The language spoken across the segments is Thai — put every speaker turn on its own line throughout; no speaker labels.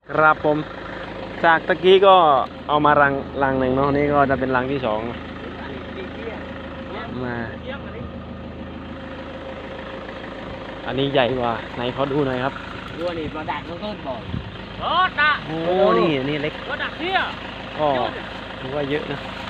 ครับผมจากตะกี้ก็เอามารังหนึ่งเนาะนี่ก็จะเป็นรังที่สองมาอันนี้ใหญ่กว่าไหนขอดูหน่อยครับ
วัวนี่มาดักน้องต้นบ่อย
รถนะ
โอ้นี่เล็ก
รถดักเที่ย
ก็ถือว่าเยอะนะ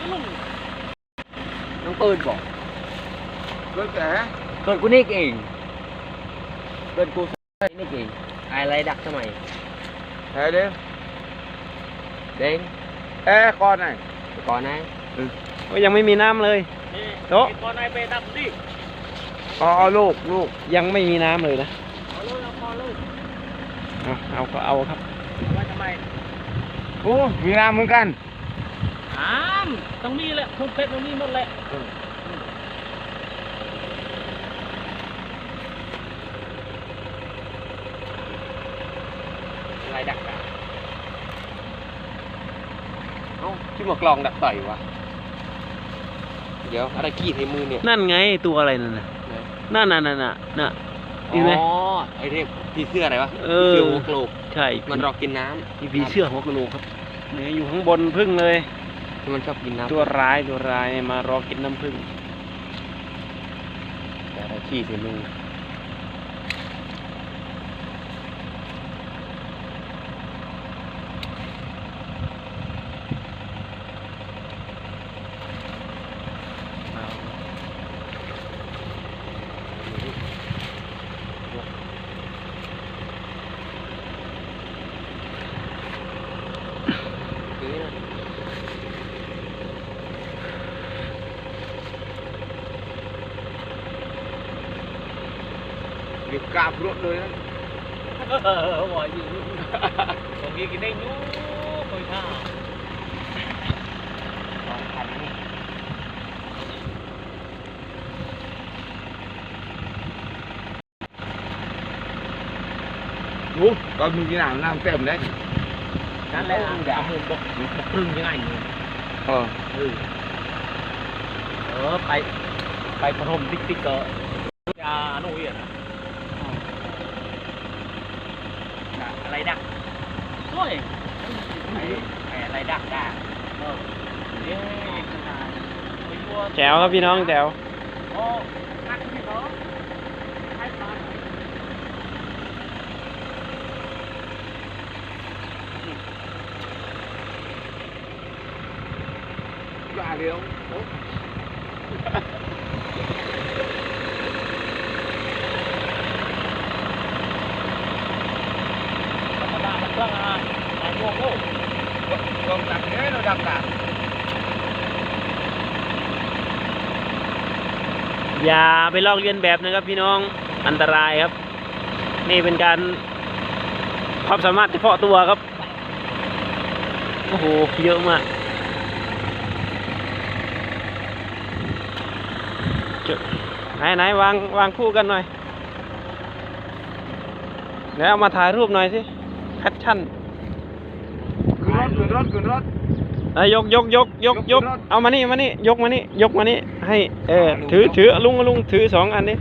น้องต้นบ่อย
รถแต่
ต้นกูนี่เองต้นกูนี่เองอะไรดักทำไม
แพ้เด้
เด้ง
แพ้ก่อนไหน
ก่อนนะ
ก็ยังไม่มีน้ำเลยโต๊ะ
ก่อนไหนไปดักดิ
เอาลูกยังไม่มีน้ำเลยนะ
เอาลูกเอาพอลูก
เอาก็เอาครับ
ว่าทำไมโอ้มีน้ำเหมือนกันต้องมีแหละทุกเพชรต้องมีหมดแหละ
อะไรดักอ่ะเอ้าที่มากลองดักต่อยวะเดี๋ยวอะไรขี้ในมือเนี่ย
นั่นไงตัวอะไรนั่นน่ะนั่นน่ะเห็นไหม
อ๋อไอ้เรียกผีเสื้ออะไรวะ
เออ
ผีเสื้อหัวโกรก
ใช่
มันรอกินน้
มีผีเสื้อหัวกะโหลกครับเนี่ยอยู่ข้างบนพึ่งเลย
ำที่มันชอบกินน้ำ
ตัวร้ายมารอกินน้ำผึ้ง
แต่อะไรขี้ใส่มือ
เก็บกาบรถเลยนะ
บ่อยอยู่
ตรงนี้กินได้นู้คอยท่า
Vâng.
ตอนมึงกินน้ำเต็มเลย
นั่นแหละ
เอามือบอกครึ่งยังไงเนี่ย
ไปพรมติ๊กเกอร์
ยาโน่ยนะอะไรดักโอ้ยอะไรดักเย้ขนาดไปยัว
แจ๋วครับพี่น้องแจ๋ว
โอ้นักที่เขาให้ปลา
ว่าเดียว
ธรรมดามันเครื่องอ่ะหายงงโอ้ลงดักเนี้ยเราดักดัก
อย่าไปลอกเลียนแบบนะครับพี่น้องอันตรายครับ นี่เป็นการความสามารถเฉพาะตัวครับโอ้โหเยอะมากไหนวางคู่กันหน่อยแล้วเอามาถ่ายรูปหน่อยสิแคปชั่น
ขึ้นรถ
ยกเอามานี่ยกมานี่ให้ถือลุงถือสองอันนี้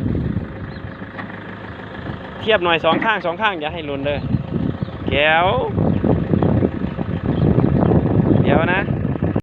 เทียบหน่อยสองข้างอย่าให้หล่นเลยแก้วเดี๋ยวนะ